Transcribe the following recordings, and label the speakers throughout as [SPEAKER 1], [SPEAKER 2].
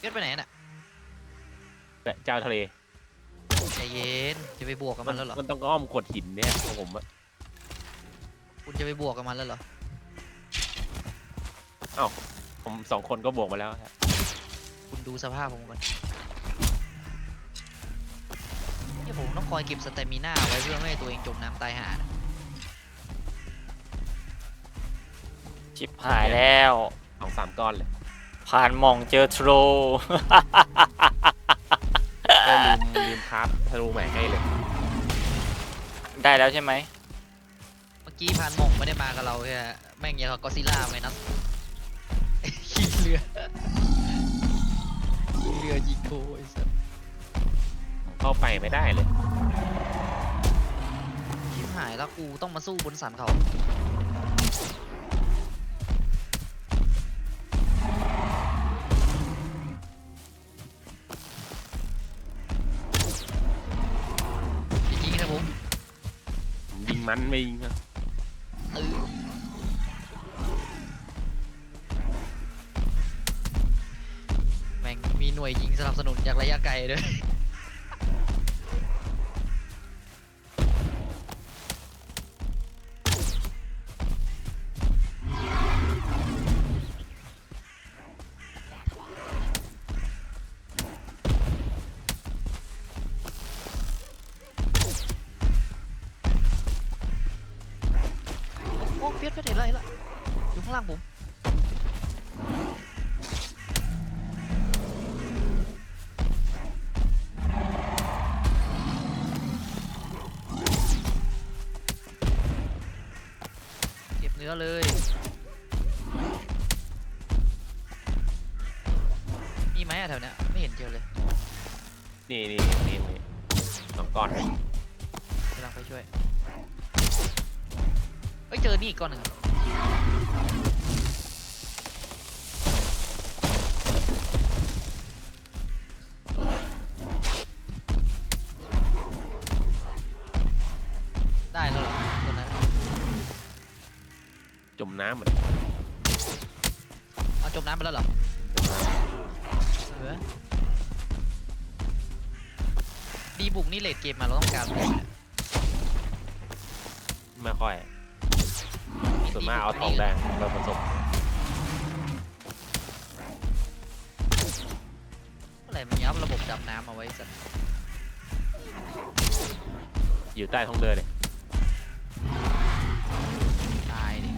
[SPEAKER 1] ก็ไปไหนน่ะ
[SPEAKER 2] เจ้าทะเล
[SPEAKER 1] ใจเย็นจะไปบวกกับมันแล้วเหรอ
[SPEAKER 2] มันต้องอ้อมกดหินเนี่ยของผมอะ
[SPEAKER 1] คุณจะไปบวกกับมันแล้วเหรอ
[SPEAKER 2] ผม2 คนก็บวกมาแล้วครับ
[SPEAKER 1] คุณดูสภาพผมก่อนที่ผมต้องคอยเก็บสเตมิน่าไว้เพื่อไม่ให้ตัวเองจมน้ำตายหานะ
[SPEAKER 3] ชิบหายแล้ว
[SPEAKER 2] 2-3 ก้อนเลย
[SPEAKER 3] ผ่านหม่องเจอโทร
[SPEAKER 2] ก็ลืมคราฟธนูใหม่ให้เลย
[SPEAKER 3] ได้แล้วใช่ไหม
[SPEAKER 1] เมื่อกี้พานหม่งไม่ได้มากับเราแค่แม่งยังกับก็อดซิลล่าไหมนะขี่เรือยิงโคไอ้สัส
[SPEAKER 2] เข้าไปไม่ได้เลย
[SPEAKER 1] ชิบหายแล้วกูต้องมาสู้บนสันเขาจริงๆนะผม
[SPEAKER 2] ผมยิงมันไม่ยิงครับ
[SPEAKER 1] เออแม่งมีหน่วยยิงสนับสนุนจากระยะไกลด้วยโอ้เฟียสเห็นอะไรละอยู่ข้างล่างผมเก็บเนื้อเลยมีไหมอะแถวเนี้ยไม่เห็นเจอเลย
[SPEAKER 2] นี่2 ก้อน
[SPEAKER 1] กำลังไปช่วยเอ้ยเจอนี่อีกก้อนหนึ่งได้แล้วเหรอตัวนั้น
[SPEAKER 2] จมน้ำเหมือน
[SPEAKER 1] เอาจมน้ำไปแล้วเหรอเออดีบุกนี่เลดเกมมาเราต้องการอะไรเนี่ย
[SPEAKER 2] ไม่ค่อยส่วนมากเอาทองแดงมาผสม
[SPEAKER 1] อะไรมันยับระบบดำน้ำเอาไว้สัตว์
[SPEAKER 2] อยู่ใต้ท้องเรือเลย
[SPEAKER 1] ตายดิ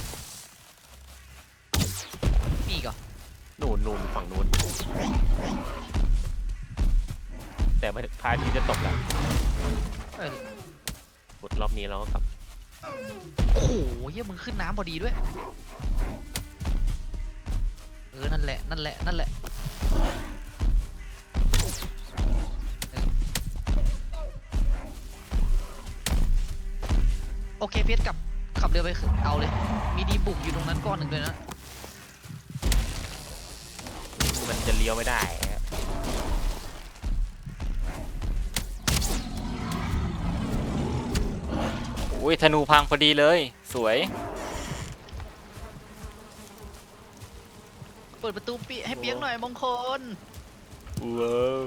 [SPEAKER 1] มีอีก่อ
[SPEAKER 2] นู่นฝั่งนู้นแต่พระอาทิตย์จะตกแล้ว
[SPEAKER 1] เออ
[SPEAKER 2] หมดรอบนี้เราก็กลับ
[SPEAKER 1] โอ้โหเฮียมึงขึ้นน้ำพอดีด้วยเออนั่นแหละโอเคเพียสขับเรือไปเอาเลยมีดีบุกอยู่ตรงนั้นก้อนหนึ่งเลยนะ
[SPEAKER 2] มันจะเลี้ยวไม่ได้ฮะ
[SPEAKER 3] อุ้ยธนูพังพอดีเลย สวย
[SPEAKER 1] เปิดประตูให้เปียกหน่อยมงคล
[SPEAKER 3] ว้าว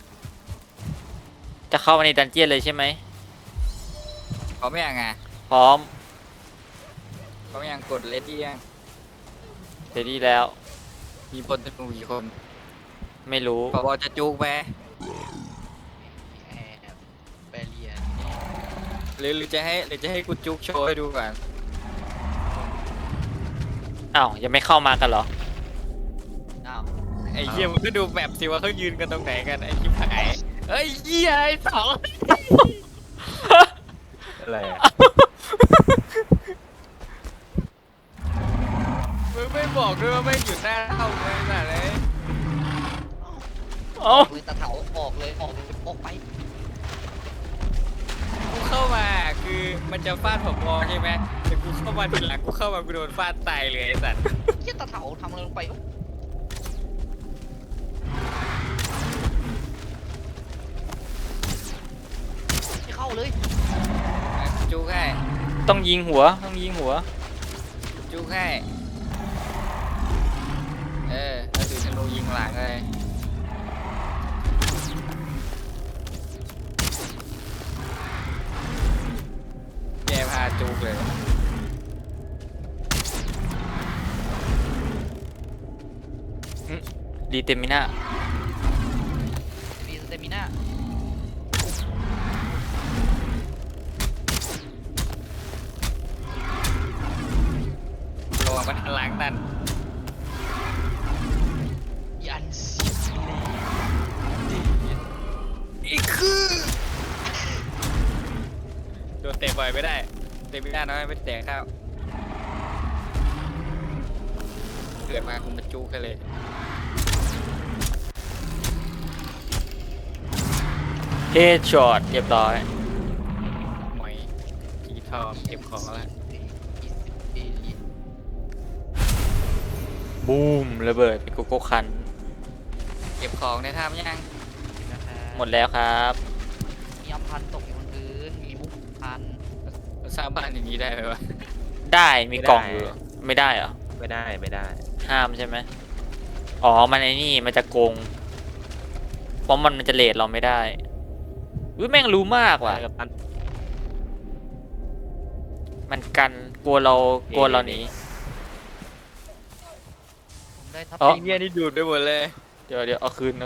[SPEAKER 3] จะเข้ามาในดันเจียนเลยใช่ไหม
[SPEAKER 4] พร้อมยังไง
[SPEAKER 3] พร้อม
[SPEAKER 4] พร้อมยังกดเลดี้ยัง
[SPEAKER 3] เสร็จดีแล้ว
[SPEAKER 4] มีพลธนูกี่คน
[SPEAKER 3] ไม่รู้
[SPEAKER 4] พอบอจะจูกไป
[SPEAKER 1] แอบแบเรียน
[SPEAKER 4] หรือจะให้กูจูกโชว์ให้ดูก่อน
[SPEAKER 3] อ้าว ยังไม่เข้ามากันเหรอ
[SPEAKER 1] อ้าว
[SPEAKER 4] ไอ้เหี้ยมันก็ดูแบบสิว่าเขายืนกันตรงไหนกันไอ้ชิบหายเอ้ยเหี้ยไอ้สอง
[SPEAKER 2] อะไรอะ
[SPEAKER 4] มึงไม่บอกด้วยว่าไม่งอยู่หน้าเข้าเลยน่ะเลย
[SPEAKER 3] เอ้า
[SPEAKER 1] เลยตะเถาออกเลยออกไป
[SPEAKER 4] กูเข้ามาคือมันจะฟาดผมมองใช่ไหมแต่กูเข้ามาทีหลังกูเข้ามากูโดนฟาดตายเลยไอ้สัตว์
[SPEAKER 1] เฮียตะเถาทำอะไรลงไปวะไม่เข้าเลย
[SPEAKER 4] จูกให้
[SPEAKER 3] ต้องยิงหัว
[SPEAKER 4] จูกให้แล้วถือธนูยิงหลังเลย
[SPEAKER 3] ดีเตมิน่า
[SPEAKER 1] มีสเตมิน่า
[SPEAKER 4] ระวังมันหันหลังนั่น
[SPEAKER 1] ยันซิเลอีกคือ
[SPEAKER 4] โดนเตะบ่อยไม่ได้เตะไม่ได้น้อยไม่แตะข้าวเกิดมาคุณมาจูกันเลย
[SPEAKER 3] เฮดช็อตเรียบร้อย
[SPEAKER 4] หมอยจีทองเก็บของแล้ว
[SPEAKER 3] บูมระเบิดเป็นโกโก้คัน
[SPEAKER 4] เก็บของในถ้ำยัง
[SPEAKER 3] หมดแล้วครับ
[SPEAKER 1] มีอัมพันตกอยู่บนพื้นมีมุกพัน
[SPEAKER 4] เราสร้างบ้านอย่างนี้ได้ไหมวะ
[SPEAKER 3] ได้มีกล่องอยู่ไม่ได้เหรอ
[SPEAKER 2] ไม่ได้ไม่ได้
[SPEAKER 3] ห้ามใช่ไหมอ๋อมันไอ้นี่มันจะโกงเพราะมันจะเลทเราไม่ได้อุ้ยแม่งรู้มากว่ะ
[SPEAKER 2] กับตัน
[SPEAKER 3] มันกันกลัวเราหนี
[SPEAKER 1] ผมได้ทับ
[SPEAKER 3] อ๋อ
[SPEAKER 4] ไอ้เนี่ยนี่ดูดไปหมดเลย
[SPEAKER 3] เดี๋ยวเอาคืน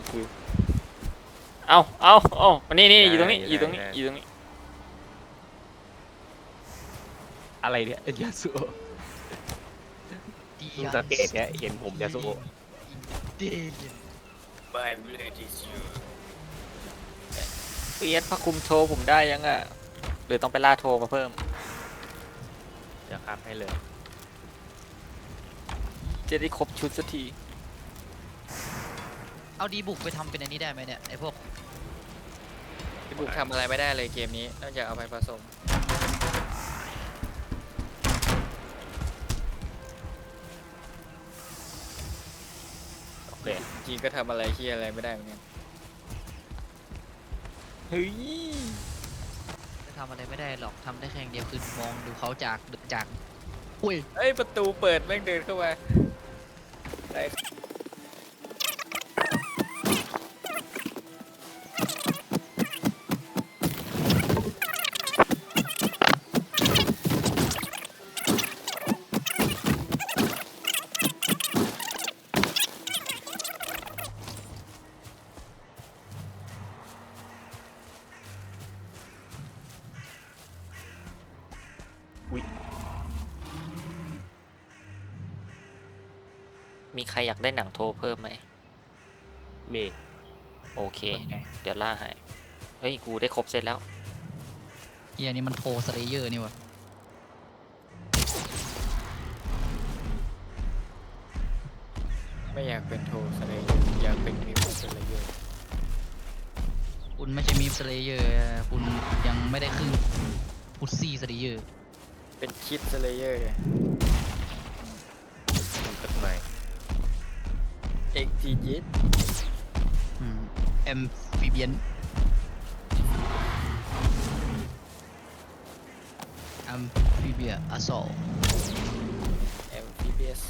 [SPEAKER 3] เอามันนี่อยู่ตรงนี้อยู่ตรงนี้
[SPEAKER 2] อะไรเนี่ยยาสุโอะ
[SPEAKER 1] ดี
[SPEAKER 2] เพิ่งสังเกตเนี่ยเห็นผมยาสุโอะ
[SPEAKER 1] เดน
[SPEAKER 4] My blood is you
[SPEAKER 3] เปียสพระคุมโทรผมได้ยังอ่ะหรือต้องไปล่าโทรมาเพิ่ม
[SPEAKER 2] เดี๋ยวครับให้เลย
[SPEAKER 3] จะได้ครบชุดสักที
[SPEAKER 1] เอาดีบุกไปทำเป็นอันนี้ได้ไหมเนี่ยไอพวก
[SPEAKER 4] พี่บุกทำอะไรไม่ได้เลยเกมนี้นอกจากเอาไปผสม
[SPEAKER 2] โอเค
[SPEAKER 4] จริงก็ทำอะไรที่อะไรไม่ได้เหมือนกัน
[SPEAKER 3] เฮ้ย
[SPEAKER 1] จะทำอะไรไม่ได้หรอกทำได้แค่อย่างเดียวคือมองดูเขาจากอุ้ย
[SPEAKER 4] เอ้ยประตูเปิดแม่งเดินเข้ามาได้
[SPEAKER 3] มีใครอยากได้หนังโทรเพิ่มไหม
[SPEAKER 2] มี
[SPEAKER 3] โอเค เดี๋ยวล่าให้เฮ้ยกูได้ครบเซตแล้ว
[SPEAKER 1] เฮียนี่มันโทรสเลเยอร์นี่วะ
[SPEAKER 4] ไม่อยากเป็นโทสเลยอยากเป็นมิวสเลยเยอะ
[SPEAKER 1] คุณไม่ใช่มีฟสเลเยอร์คุณยังไม่ได้ครึ่งพุซซี่สเลเยอร์
[SPEAKER 4] เป็นคิดสเลยเยอร์
[SPEAKER 2] มันเกิดใหม่
[SPEAKER 4] เอ็กทีจิต
[SPEAKER 1] แอมฟิเบียนแอมฟิเบียอสโซ
[SPEAKER 4] เอ็มพีบีเอส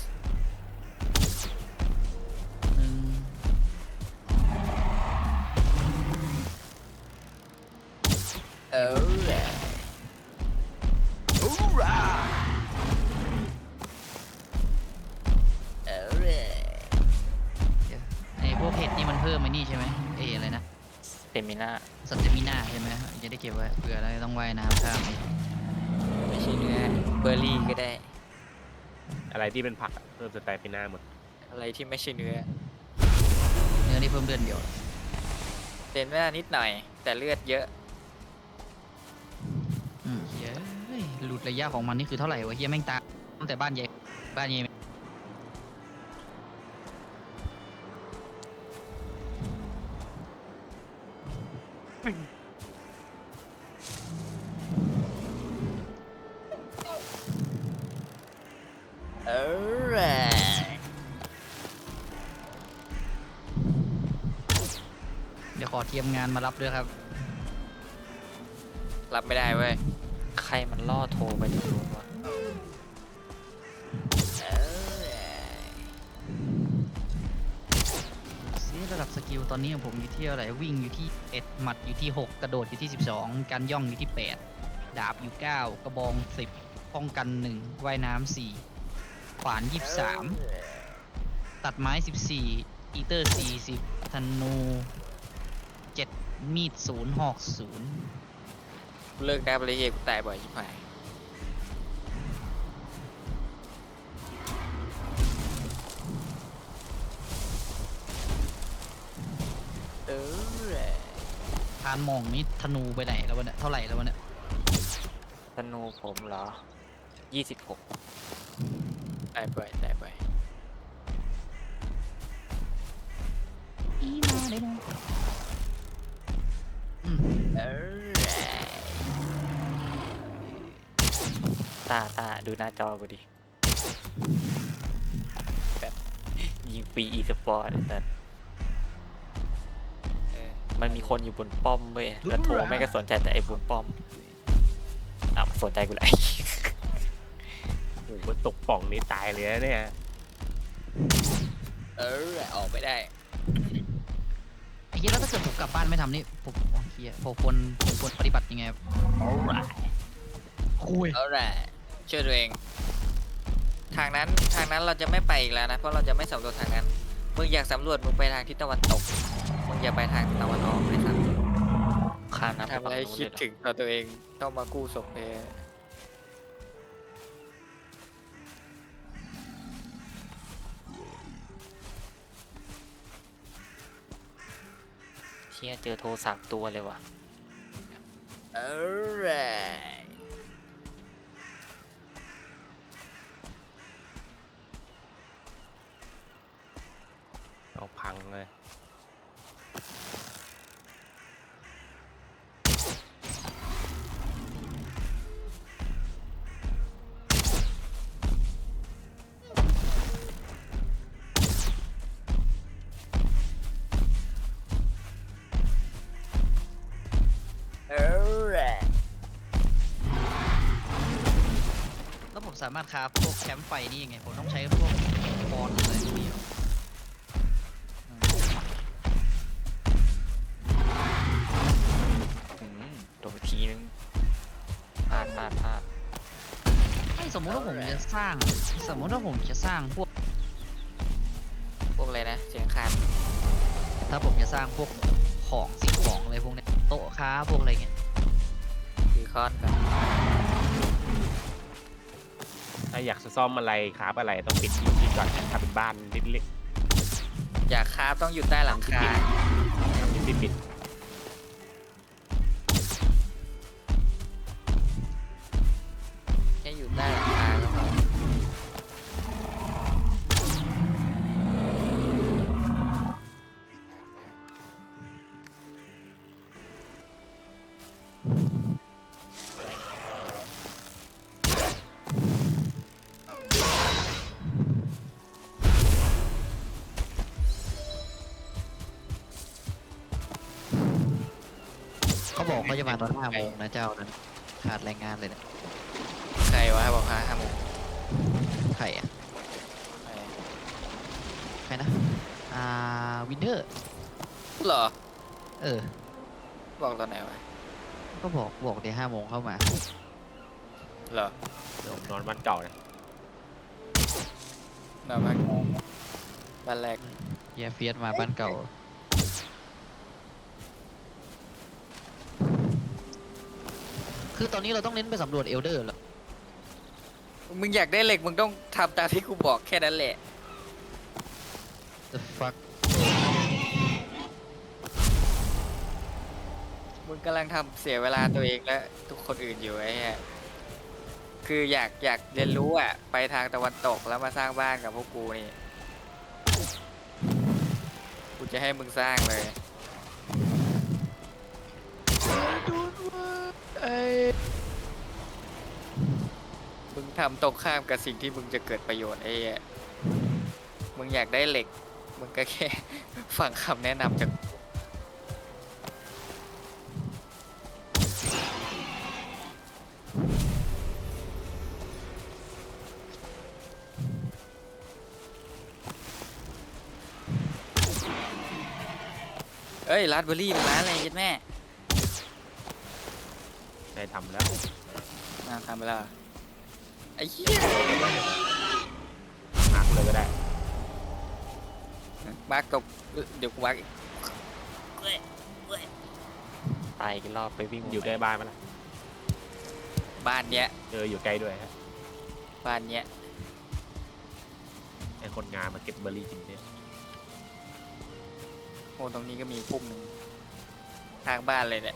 [SPEAKER 1] หนึ่ง
[SPEAKER 4] เออ
[SPEAKER 1] ฮูรา
[SPEAKER 4] เออ
[SPEAKER 1] ไอพวกเห็ดนี่มันเพิ่มไอ้นี่ใช่ไหมอะไรนะ
[SPEAKER 3] เตมิน่า
[SPEAKER 1] สเตมิน่าใช่ไหมจะได้เก็บไว้เผื่ออะไรต้องว่ายน้ำข้าม
[SPEAKER 4] ไม่ใช่เนื้อเบอร์รี่ก็ได้
[SPEAKER 2] อะไรที่เป็นผักอะเพิ่มสไตล์ไปหน้าหมด
[SPEAKER 4] อะไรที่ไม่ใช่เนื้อ
[SPEAKER 1] เนื้อนี่เพิ่มเลือดเดียว
[SPEAKER 4] เต็มหน้านิดหน่อย แต่เลือดเยอะ
[SPEAKER 1] เฮียหลุดระยะของมันนี่คือเท่าไหร่วะเฮียแม่งตามตั้งแต่บ้านใหญ่บ้านใหญ่
[SPEAKER 4] เออ
[SPEAKER 1] เดี๋ยวขอเทียมงานมารับด้วยครับ
[SPEAKER 4] รับไม่ได้เว้ย
[SPEAKER 3] ใครมันล่อโทรไปถึงนู้นวะ
[SPEAKER 1] ซีระดับสกิลตอนนี้ของผมอยู่ที่เท่าไหร่วิ่งอยู่ที่1หมัดอยู่ที่6กระโดดอยู่ที่12การย่องอยู่ที่8ดาบอยู่9กระบอง10ป้องกัน1ว่ายน้ำ4ขวาน23ตตัดไม้ 14 อีเตอร์ 40 ธนู 7 มีด 0 หอก 0
[SPEAKER 4] เลิกได้ไปเลยเฮียกูตายบ่อยชิบหายเออ
[SPEAKER 1] ทานหมองนี่ธนูไปไหนแล้ววะเนี่ย เท่าไหร่แล้ววะเนี่ย
[SPEAKER 3] ธนูผมเหรอ 26
[SPEAKER 4] ตายบ่อยตายบ่อย
[SPEAKER 1] อีมาได้นะ
[SPEAKER 4] เออ
[SPEAKER 3] ตาดูหน้าจอกูดิแบบยิงฟรีอีสปอร์ตแต่
[SPEAKER 4] เออ
[SPEAKER 3] มันมีคนอยู่บนป้อมเว้ยแล้วโทรไม่ก็สนใจแต่ไอ้บนป้อมมาสนใจกูเลย
[SPEAKER 2] โอ้โหมันตกป่องนี้ตายเลยนะเนี่ย
[SPEAKER 4] เออออกไม่ได้
[SPEAKER 1] ไอ้เหี้ยแล้วถ้าเกิดผมกลับบ้านไม่ทำนี่ผมโอ้เหี้ยผมควรปฏิบัติยังไงครับคุย
[SPEAKER 4] เอาแหละช่วยตัวเอง ทางนั้นเราจะไม่ไปอีกแล้วนะ เพราะเราจะไม่สำรวจทางนั้น มึงอยากสำรวจมึงไปทางทิศตะวันตก มึงอย่าไปทางตะวันออกเลยครับ
[SPEAKER 3] ข้ามน้ำไป
[SPEAKER 4] ทำอะไร
[SPEAKER 3] ฝั่งนู้น
[SPEAKER 4] คิด
[SPEAKER 3] เลยเหรอ
[SPEAKER 4] ถึงต่อตัวเองต้องมากู้ศพเพ
[SPEAKER 3] เชี่ยเจอโทร3 ตัวเลยว่ะ
[SPEAKER 4] เออแหละ
[SPEAKER 2] เอาพังเลย
[SPEAKER 4] เออแหละ
[SPEAKER 1] แล้วผมสามารถคราฟพวกแคมป์ไฟนี่ยังไง ผมต้องใช้พวกบอลอะไรพวกนี้เหรอ
[SPEAKER 3] โดนทีนึงพลาด
[SPEAKER 1] ไม่สมมติว่าผมจะสร้าง สมมติว่าผมจะสร้างพวก
[SPEAKER 4] พวกอะไรนะ เสียงคาน
[SPEAKER 1] ถ้าผมจะสร้างพวกของสิ่งของอะไรพวกเนี้ยโต๊ะค้าพวกอะไรเงี้ย
[SPEAKER 4] คือคอนก่อน
[SPEAKER 2] ถ้าอยากจะซ่อมอะไรครับอะไรต้องปิดที่ก่อนทำเป็นบ้านเล็ก
[SPEAKER 4] อยากคราฟต้องอยู่ใต้หลังคา
[SPEAKER 2] ๆทำที่ปิด
[SPEAKER 4] แค่อยู่ใต้หลังคาก็พอ
[SPEAKER 1] เขาบอกเขาจะมาตอน5 โมงนะเจ้านั้นขาดแรงงานเลยเนี่ย
[SPEAKER 4] ใครวะบอก5 โมง
[SPEAKER 1] ใครอ่ะ
[SPEAKER 4] ใคร
[SPEAKER 1] ใครนะวินเทอร์
[SPEAKER 4] เหรอ
[SPEAKER 1] เออ
[SPEAKER 4] บอกตอนไหนวะ
[SPEAKER 1] ก็บอกเดี๋ยว5 โมงเข้ามา
[SPEAKER 4] เหรอ
[SPEAKER 2] เดี๋ยวผมนอนบ้านเก่านะ
[SPEAKER 4] นอนบ้านบ้านแรก
[SPEAKER 1] เฮียเฟียสมาบ้านเก่า คือตอนนี้เราต้องเน้นไปสำรวจเอลเดอร์เหรอ
[SPEAKER 4] มึงอยากได้เหล็กมึงต้องทำตามที่กูบอกแค่นั้นแหละ
[SPEAKER 1] The fuck
[SPEAKER 4] มึงกำลังทำเสียเวลาตัวเองและทุกคนอื่นอยู่ไอ้เหี้ยคืออยากเรียนรู้อ่ะ ไปทางตะวันตกแล้วมาสร้างบ้านกับพวกกูนี่ กูจะให้มึงสร้างเลย มึงทำตรงข้ามกับสิ่งที่มึงจะเกิดประโยชน์ไอ้เหี้ยมึงอยากได้เหล็ก มึงก็แค่ ฟังคำแนะนำจาก เอ้ยราสเบอร์รี่เป็นร้านอะไรยัดแม่
[SPEAKER 2] ได้ทำแล้ว
[SPEAKER 4] ทำไปแล้วเหรอไอ้เหี้ย
[SPEAKER 2] หักเลยก็ได้
[SPEAKER 4] มาร์กตกเดี๋ยวกูมาร์กอีก
[SPEAKER 3] ตายกี่รอบไปวิ่ง
[SPEAKER 2] อยู่ใกล้บ้านมั้ยล่ะ
[SPEAKER 4] บ้านเนี้ย
[SPEAKER 2] อยู่ใกล้ด้วยฮะ
[SPEAKER 4] บ้านเนี้ย
[SPEAKER 2] ไอคนงานมาเก็บเบอร์รี่กินเนี่ย
[SPEAKER 4] โอ้ตรงนี้ก็มีพุ่มหนึ่งทางบ้านเลยเนี่ย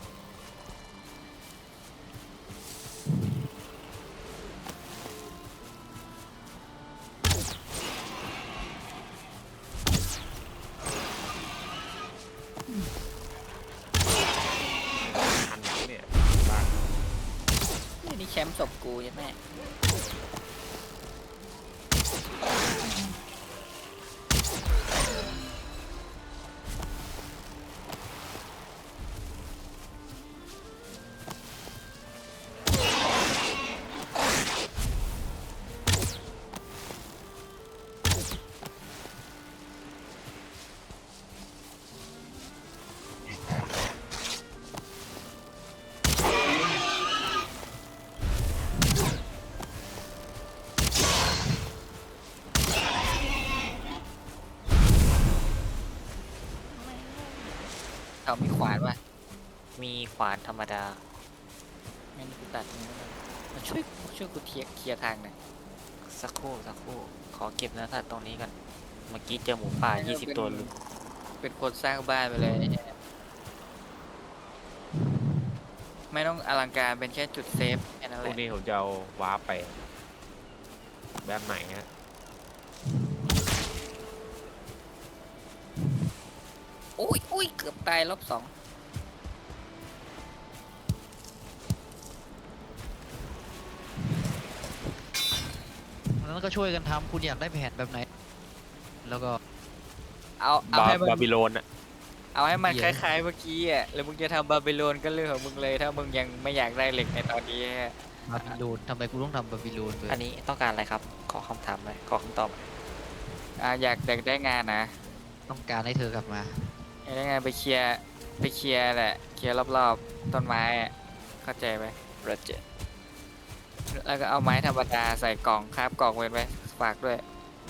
[SPEAKER 2] ทันเนี่ยบ้าน
[SPEAKER 4] นี่แชมป์ศพกูใช่ไหม เขามีขวานว่ะ
[SPEAKER 3] มีขวานธรรมดา
[SPEAKER 4] งั้นกูตัดนี้แล้วกันมาช่วยกูเคลียร์ทางหน่อย
[SPEAKER 3] สักครู่ขอเก็บเนื้อสัตว์ตรงนี้ก่อนเมื่อกี้เจอหมูป่า 20 ตัวลุม
[SPEAKER 4] เป็นคนสร้างบ้านไปเลยไม่ต้องอลังการเป็นแค่จุดเซฟแค่นั้น
[SPEAKER 2] พ
[SPEAKER 4] แห
[SPEAKER 2] รุ่ง
[SPEAKER 4] ละ
[SPEAKER 2] นี้ผมจะเอาวาร์ปไปแบบไหนฮะ
[SPEAKER 4] อุ้ยเกือบตายรอบสอง
[SPEAKER 1] แล้วก็ช่วยกันทำคุณอยากได้แผนแบบไหน แล้วก็
[SPEAKER 4] เอาให้มัน
[SPEAKER 2] บาบิโลนอะ
[SPEAKER 4] เอาให้มัน
[SPEAKER 1] เหี้
[SPEAKER 4] ค
[SPEAKER 1] ย
[SPEAKER 4] ล้ายๆเมื่อกี้อ่ะแล้วมึงจะทำบาบิโลนก็เรื่องของมึงเลยถ้ามึงยังไม่อยากได้เหล็กในตอนนี้ฮะ
[SPEAKER 1] บาบิโลนทำไมกูต้องทำบาบิโลนเลย
[SPEAKER 3] อันนี้ต้องการอะไรครับ ขอคำถามเลยขอคำตอบ
[SPEAKER 4] อยากได้งานนะ
[SPEAKER 1] ต้องการให้เธอกลับมา
[SPEAKER 4] อยากได้งานไปเคลียร์แหละเคลียร์รอบๆต้นไม้อะเข้าใจไหม
[SPEAKER 3] โปรเจกต์
[SPEAKER 4] แล้วก็เอาไม้ธรรมดาใส่กล่องคาบกล่องไว้ฝากด้วย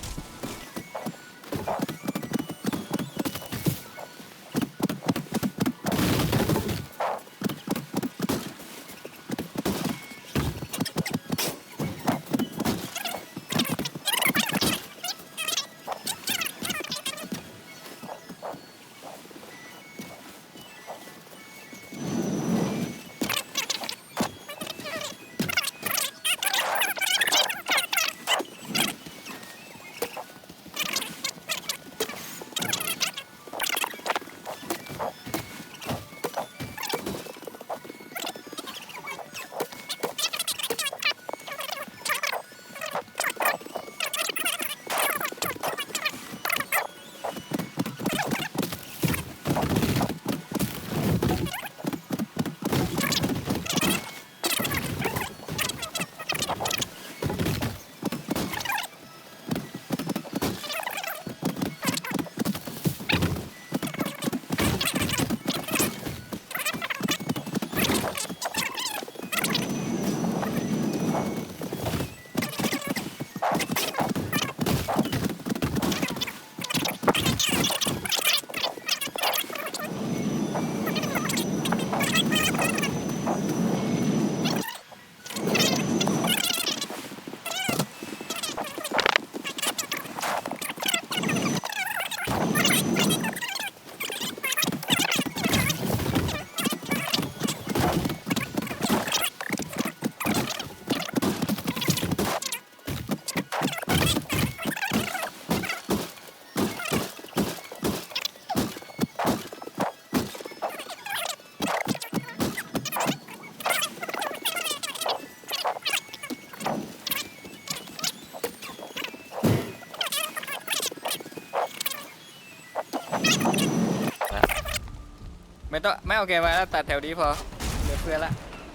[SPEAKER 4] ไม่โอเคมาแล้วตัดแถวนี้พอเหลือเพื่อนละ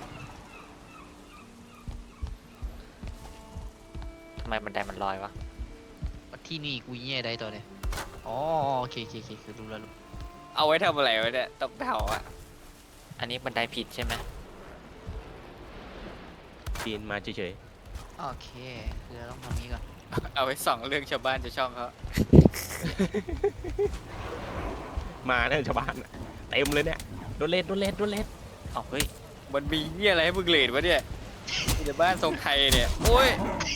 [SPEAKER 3] ทำไมบันไดมันลอยวะ
[SPEAKER 1] ที่นี่กูแย่ได้ตัวเนี่ยอ๋อโอเคคือรู้แล้ว
[SPEAKER 4] เอาไว้ทำอะไรไว้เนี่ยตกเถาอ่ะ
[SPEAKER 3] อันนี้บันไดผิดใช่ไหม
[SPEAKER 2] ปีนมาเฉย
[SPEAKER 1] โอเคคือเราต้องทำนี้ก่อน
[SPEAKER 4] เอาไว้ส่องเรื่องชาวบ้านชาวช่องเขา
[SPEAKER 2] มาเนี่ยชาวบ้านอะเต็มเลยเนี่ยโดนเลด
[SPEAKER 3] เอาเฮ้ย
[SPEAKER 4] มันมีเหี้ยอะไรให้มึงเลดวะเนี่ยมีแต่บ้านทรงไทยเนี่ยโอ้ย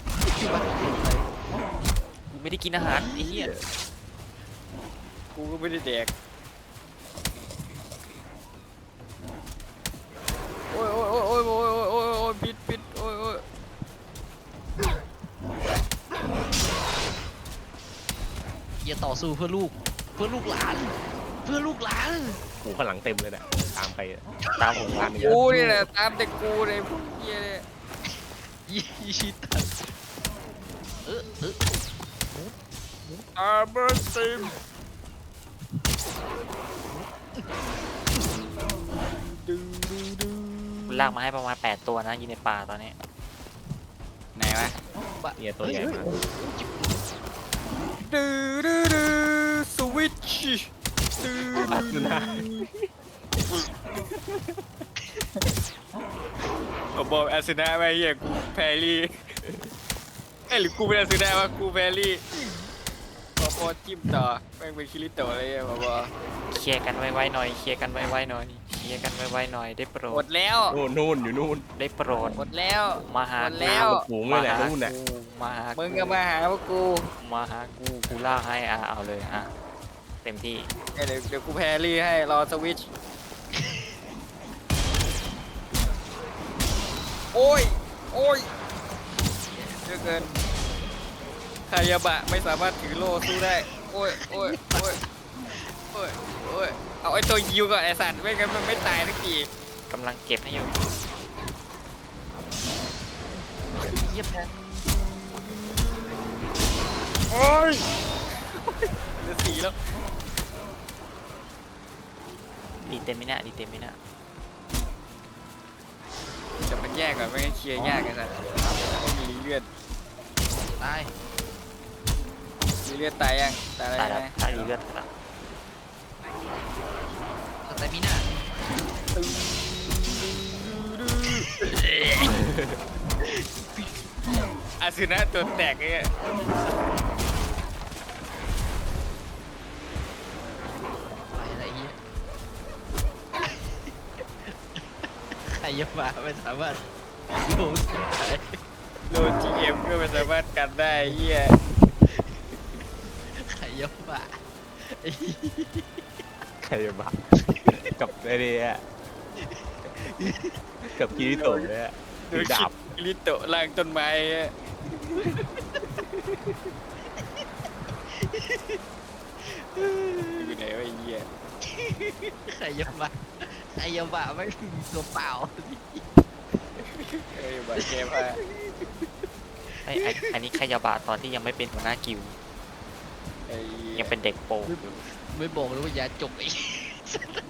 [SPEAKER 3] กูไม่ได้กินอาหารไอ้เหี้ย
[SPEAKER 4] กูก็ไม่ได้แดกโอ้ยปิดโอ้ย
[SPEAKER 1] อย่าต่อสู้เพื่อลูกหลาน เพื่อลูกหลาน
[SPEAKER 2] หูข้างหลังเต็มเลยเนี่ยตามไปอะ
[SPEAKER 3] ตามผม
[SPEAKER 2] ตามไปเย
[SPEAKER 4] กู
[SPEAKER 2] อะ
[SPEAKER 4] นี่แหละตามแต่กูเลยพวกเหี้ยเนี่ย
[SPEAKER 1] ยี่ชิตันเออ
[SPEAKER 4] อาร์เบอร์ซิมดู
[SPEAKER 3] กูลากมาให้ประมาณ8ตัวนะอยู่ในป่าตอนนี้
[SPEAKER 4] ไหนวะ
[SPEAKER 2] เนี่ยตัวใหญ่มาก
[SPEAKER 4] ดูสวิตช์ดู
[SPEAKER 2] ปัดอยู่นะ
[SPEAKER 4] ผมบอกอาร์เซนอลไปเหี้ยกูแพรรี่เอ้ยหรือกูเป็นอาร์เซนอลวะกูแพรรี่พอจิ้มต่อแม่งเป็นคิริโตะอะไรเงี้ยบอก
[SPEAKER 3] เคลียร์กันไวๆหน่อยเคลียร์กันไวๆหน่อยเคลียร์กันไวๆหน่อยได้โปร
[SPEAKER 4] หม
[SPEAKER 3] ด
[SPEAKER 4] ดแล้ว
[SPEAKER 2] นู่นอยู่นู่น
[SPEAKER 3] ได้โปรด
[SPEAKER 4] หมดแล้ว
[SPEAKER 3] มาหา
[SPEAKER 4] หมด
[SPEAKER 3] กู
[SPEAKER 4] แล้ว
[SPEAKER 2] ฝูงเลยแหละนู่นน่ะ
[SPEAKER 3] มาหา
[SPEAKER 4] มึ
[SPEAKER 3] มึ
[SPEAKER 4] งก็มาหาพวกกู
[SPEAKER 3] มาหากูลากให้เอาเลยเต็มที่
[SPEAKER 4] เดี๋ยวกูแพรรี่ให้รอสวิตช์โอ้ยเยอะเกินคายาบะไม่สามารถถือโล่สู้ได้โอ้ยเอาไอ้ตัวยิวก่อนไอ้สัตว์ไม่งั้นมันไม่ตายสักที
[SPEAKER 3] กำลังเก็บให้อยู่
[SPEAKER 1] เยี่ยม
[SPEAKER 4] โอ้ยเหลือสีแล้ว
[SPEAKER 3] ดีเต็มไหมเนี่ยดีเต็มไหมเนี่ย
[SPEAKER 4] จะมันแยกก่อนไม่งั้นเคลียร์ยากไอ้สัตว์ไม่มีเลือด
[SPEAKER 1] ตาย
[SPEAKER 4] มีเลือดตายยังตาย
[SPEAKER 3] ตาย
[SPEAKER 4] แล้
[SPEAKER 3] แล้ว ว
[SPEAKER 4] ไหม
[SPEAKER 3] ตายดีเลือดแล้ว
[SPEAKER 1] สเตมิน่า
[SPEAKER 4] อาซึนะตัวแตกไอ้เงี้ย
[SPEAKER 1] ไปอะไรเงี้ยใครจะมาไม่สามารถโดนได้
[SPEAKER 4] โดนจีเอ็มก็ไม่สามารถกันได้ไอ้เหี้ย
[SPEAKER 1] ใครจะมาไอ้เหี้ย
[SPEAKER 2] ใครจะบ้ากับไอ้เนี่ยกับกิริโตะเนี่ย
[SPEAKER 4] โด
[SPEAKER 2] ถื
[SPEAKER 4] น
[SPEAKER 2] อดาบ
[SPEAKER 4] คิริโตะล่างต้นไม้อะอยู่ไหนวะไอ้เหี้ย
[SPEAKER 1] ใครจะมาไม่มีตัวเปล่า
[SPEAKER 4] เอ้ยบาดเจ็บอ่ะ
[SPEAKER 3] อันนี้ขยาบาตอนที่ยังไม่เป็นหัวหน้ากิว
[SPEAKER 4] ไอ้เหี้
[SPEAKER 3] ยังเป็นเด็กโปรอยู่
[SPEAKER 1] ไม่บอกเลยว่ายาจบไอ้